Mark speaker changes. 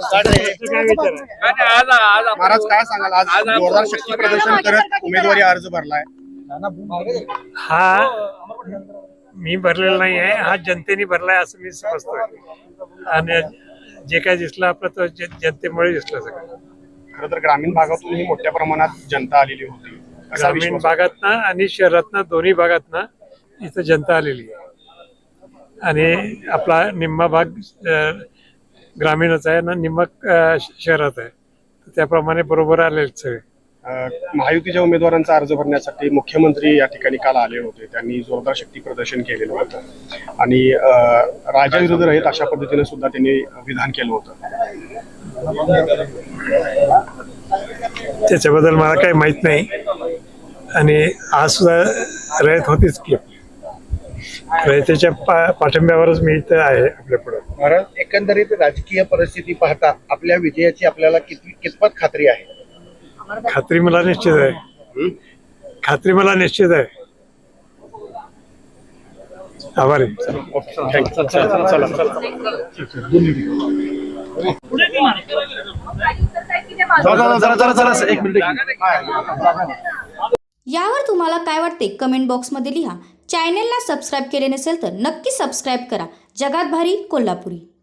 Speaker 1: महाराज काय सांगाल, आज जोरदार शक्ती प्रदर्शन करत उमेदवारी अर्ज भरलाय?
Speaker 2: हा मी भरलेला नाही आहे, हा जनतेने भरलाय असं मी समजतोय. आणि जे काय दिसलं आपलं तर जनतेमुळे दिसलं सगळं.
Speaker 1: खरं तर ग्रामीण भागातूनही मोठ्या प्रमाणात जनता आलेली होती.
Speaker 2: ग्रामीण भागातनं आणि शहरातनं दोन्ही भागातनं इथं जनता आलेली आहे. आणि आपला निम्मा भाग ग्रामीणच आहे ना, निम्मा शहरात आहे. त्याप्रमाणे बरोबर आलेले सगळे.
Speaker 1: महायुतीच्या उमेदवारांचा अर्ज भरण्यासाठी मुख्यमंत्री या ठिकाणी काल आले होते. त्यांनी जोरदार शक्ती प्रदर्शन केलेलं होतं आणि राजाविरुद्ध रहित अशा पद्धतीने सुद्धा त्यांनी विधान केलं होतं.
Speaker 2: त्याच्याबद्दल मला काही माहित नाही. आणि आज सुद्धा रयत होतीच की, रयतेच्या पाठिंब्यावरच मी इथं आहे आपल्या पुढे.
Speaker 3: महाराज, एकंदरीत राजकीय परिस्थिती पाहता आपल्या विजयाची आपल्याला कितपत खात्री आहे?
Speaker 2: खात्री मला निश्चित आहे. खात्री मला निश्चित आहे. आभारी.
Speaker 4: यावर तुम्हाला काय वाटते कमेंट बॉक्समध्ये लिहा. चॅनेलला सबस्क्राईब केले नसेल तर नक्की सबस्क्राईब करा. जगात भारी कोल्हापुरी.